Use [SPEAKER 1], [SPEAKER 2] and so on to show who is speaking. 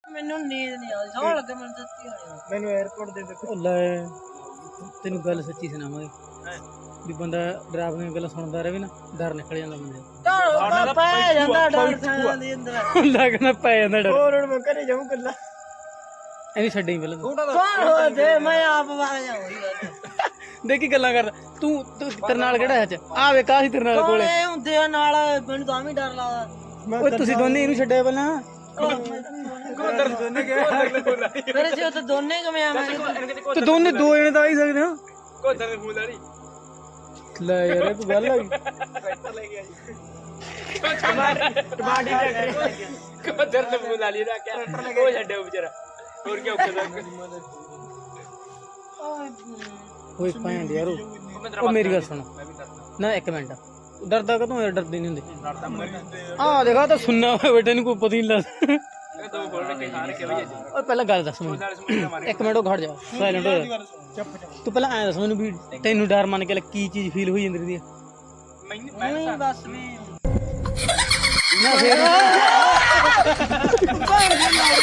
[SPEAKER 1] ਮੈਨੂੰ ਨੀਂਦ ਨਹੀਂ ਆਉਂਦੀ ਸੌਣ ਲੱਗੇ ਮੈਨੂੰ ਸੱਚੀ ਹੋਣੀ
[SPEAKER 2] ਮੈਨੂੰ 에어ਪੋਰਟ ਦੇ ਦੇਖੋ
[SPEAKER 3] ਲੈ ਤੈਨੂੰ ਗੱਲ ਸੱਚੀ ਸੁਣਾਵਾਂਗੇ ਵੀ ਬੰਦਾ ਡਰਾਵਣੀਆਂ ਗੱਲਾਂ ਸੁਣਦਾ ਰਹੇ ਨਾ ਡਰ ਨਿਕਲ ਜਾਂਦਾ ਬੰਦੇ
[SPEAKER 1] ਤਾਂ ਪੈ ਜਾਂਦਾ ਡਰ ਸਾਂ ਦੇ ਅੰਦਰ
[SPEAKER 3] ਲੱਗਣਾ ਪੈ ਜਾਂਦਾ ਡਰ
[SPEAKER 2] ਹੋਰ ਹੁਣ ਮੈਂ ਘਰੇ ਜਾਊਂ ਕੱਲਾ
[SPEAKER 3] ਐਵੇਂ ਛੱਡੇ ਹੀ ਪਹਿਲਾਂ
[SPEAKER 1] ਕੌਣ ਹੋ ਦੇ ਮੈਂ ਆਪ ਵਾਹ ਜਾਊਂਗੀ
[SPEAKER 3] ਦੇਖੀ ਗੱਲਾਂ ਕਰਦਾ ਤੂੰ ਤੇਰੇ ਨਾਲ ਕਿਹੜਾ ਅੱਜ ਆ ਵੇ ਕਾਹੀ ਤੇਰੇ ਨਾਲ ਕੋਲੇ
[SPEAKER 1] ਕੋਲੇ ਹੁੰਦੇ ਆ ਨਾਲ ਮੈਨੂੰ ਤਾਂ ਵੀ ਡਰ ਲੱਗਦਾ
[SPEAKER 3] ਓਏ ਤੁਸੀਂ ਦੋਨੇ ਇਹਨੂੰ ਛੱਡਿਆ ਪਹਿਲਾਂ
[SPEAKER 1] ਮੇਰੇ ਜੇ ਤਾਂ ਦੋਨੇ ਕਿਵੇਂ ਆਵਾਂਗੇ
[SPEAKER 3] ਤੇ ਦੋਨੇ ਦੋ ਜਣੇ ਤਾਂ ਆ ਹੀ ਸਕਦੇ ਹੋ
[SPEAKER 2] ਕੋਦਰ ਦੇ ਫੂਲ ਵਾਲੀ
[SPEAKER 3] ਲੈ ਯਾਰ ਇਹ ਕੋਈ ਗੱਲ ਆ ਗਈ
[SPEAKER 2] ਟਰੈਕਟਰ ਲੈ ਗਿਆ ਜੀ ਟਮਾਟੀ ਟਰੈਕਟਰ ਕੋਦਰ ਦੇ ਫੂਲ ਵਾਲੀ ਦਾ ਕਿਆ ਉਹ ਛੱਡਿਓ ਵਿਚਾਰਾ ਹੋਰ ਕੀ ਔਖਾ ਦਾ
[SPEAKER 3] ਓਏ ਭੈਣ ਯਾਰ ਉਹ ਮੇਰੀ ਗੱਲ ਸੁਣ ਨਾ ਇੱਕ ਮਿੰਟ ਡਰਦਾ ਕਦੋਂ ਯਾਰ ਡਰਦੇ ਨਹੀਂ ਹੁੰਦੇ ਆ ਦੇਖਾ ਤਾਂ ਸੁਣਨਾ ਬੇਟੇ ਨੂੰ ਕੋਈ ਪਤਾ ਹੀ ਨਹੀਂ ਲੱਗਦਾ
[SPEAKER 2] ਦੋ ਗੋਲ ਕੇ ਖਾ ਕੇ ਵਜੇ
[SPEAKER 3] ਓਏ ਪਹਿਲਾਂ ਗੱਲ ਦੱਸ ਮੈਨੂੰ ਇੱਕ ਮਿੰਟ ਉਹ ਖੜ ਜਾ ਸਾਇਲੈਂਟ ਹੋ ਜਾ ਤੂੰ ਪਹਿਲਾਂ ਐਂ ਦੱਸ ਮੈਨੂੰ ਵੀ ਤੈਨੂੰ ਡਰ ਮੰਨ ਕੇ ਕੀ ਚੀਜ਼ ਫੀਲ ਹੋਈ ਜਾਂਦੀ ਦੀ
[SPEAKER 1] ਨਹੀਂ ਬਸ ਵੀ
[SPEAKER 3] ਨਾ ਫੇਰ